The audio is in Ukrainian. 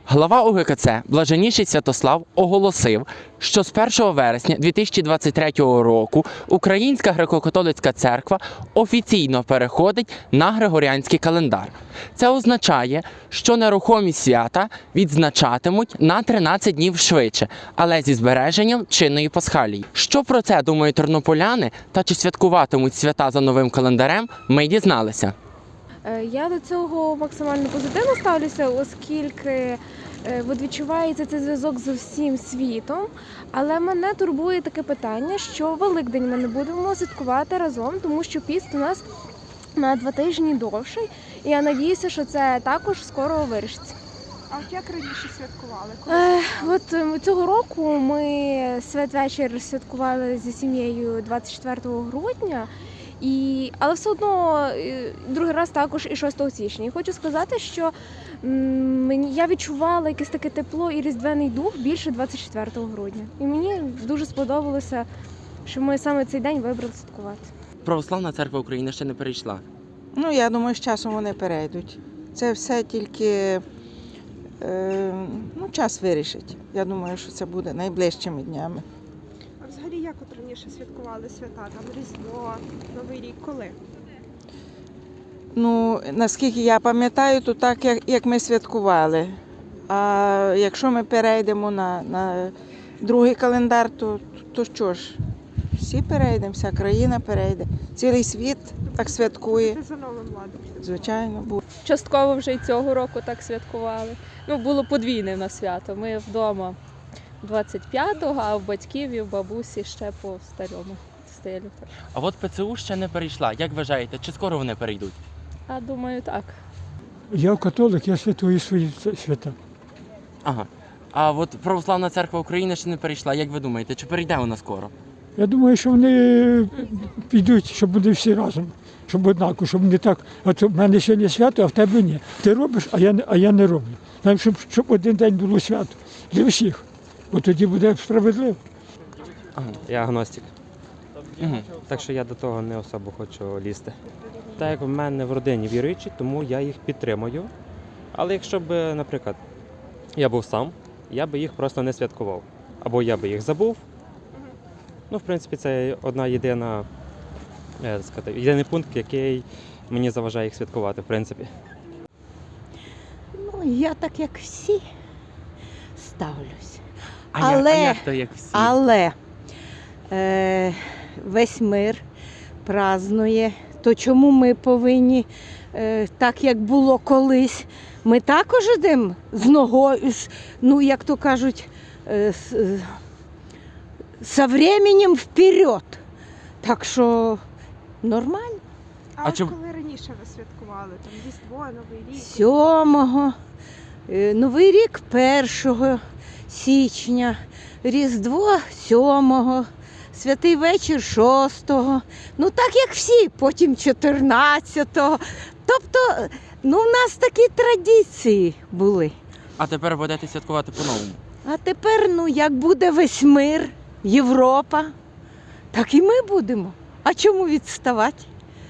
Глава УГКЦ Блаженніший Святослав оголосив, що з 1 вересня 2023 року Українська греко-католицька церква офіційно переходить на григоріанський календар. Це означає, що нерухомі свята відзначатимуть на 13 днів швидше, але зі збереженням чинної пасхалії. Що про це думають тернополяни та чи святкуватимуть свята за новим календарем, ми дізналися. Я до цього максимально позитивно ставлюся, оскільки відчувається цей зв'язок з усім світом. Але мене турбує таке питання, що Великдень ми не будемо святкувати разом, тому що піст у нас на 2 тижні довший. І я надіюся, що це також скоро вирішиться. А от як раніше святкували? Цього року ми святвечір святкували зі сім'єю 24 грудня. Але все одно другий раз також і 6 січня. І хочу сказати, що я відчувала якесь таке тепло і різдвяний дух більше 24 грудня. І мені дуже сподобалося, що ми саме цей день вибрали святкувати. Православна церква України ще не перейшла. Я думаю, з часом вони перейдуть. Це все тільки час вирішить. Я думаю, що це буде найближчими днями. А взагалі як от раніше святкували свята? Там Різдво, Новий рік, коли? Наскільки я пам'ятаю, то так, як ми святкували. А якщо ми перейдемо на другий календар, то що ж? Всі перейдемо, вся країна перейде. Цілий світ так святкує. Це за новим ладом. Звичайно, буде. Частково вже й цього року так святкували. Було подвійне в нас свято. Ми вдома 25-го, а в батьків і в бабусі ще по старому стилю. А от ПЦУ ще не перейшла. Як вважаєте, чи скоро вони перейдуть? А думаю, так. Я католик, я святую свої свята. Ага. А от Православна церква України ще не перейшла. Як ви думаєте, чи перейде вона скоро? Я думаю, що вони підуть, щоб вони всі разом, щоб однаково, щоб не так, от в мене сьогодні свято, а в тебе ні. Ти робиш, а я не роблю. Нам, щоб один день було свято для всіх, бо тоді буде справедливо. Ага. Я агностик, Угу. так що я до того не особо хочу лізти. Так як в мене в родині віруючі, тому я їх підтримую. Але якщо б, наприклад, я був сам, я би їх просто не святкував. Або я би їх забув. В принципі, це єдиний пункт, який мені заважає їх святкувати, в принципі. Я так, як всі, ставлюсь. А як то, як всі? Але весь мир празднує. То чому ми повинні, так як було колись, ми також йдемо з ногою, як то кажуть, со временем вперед. Так що нормально. А чим- коли раніше ви святкували? Там Різдво, Новий рік? 7-го, Новий рік 1 січня, Різдво 7-го, Святий вечір 6-го, так як всі, потім 14-го. Тобто, в нас такі традиції були. А тепер будете святкувати по-новому. А тепер, як буде весь мир, Європа, так і ми будемо. А чому відставати?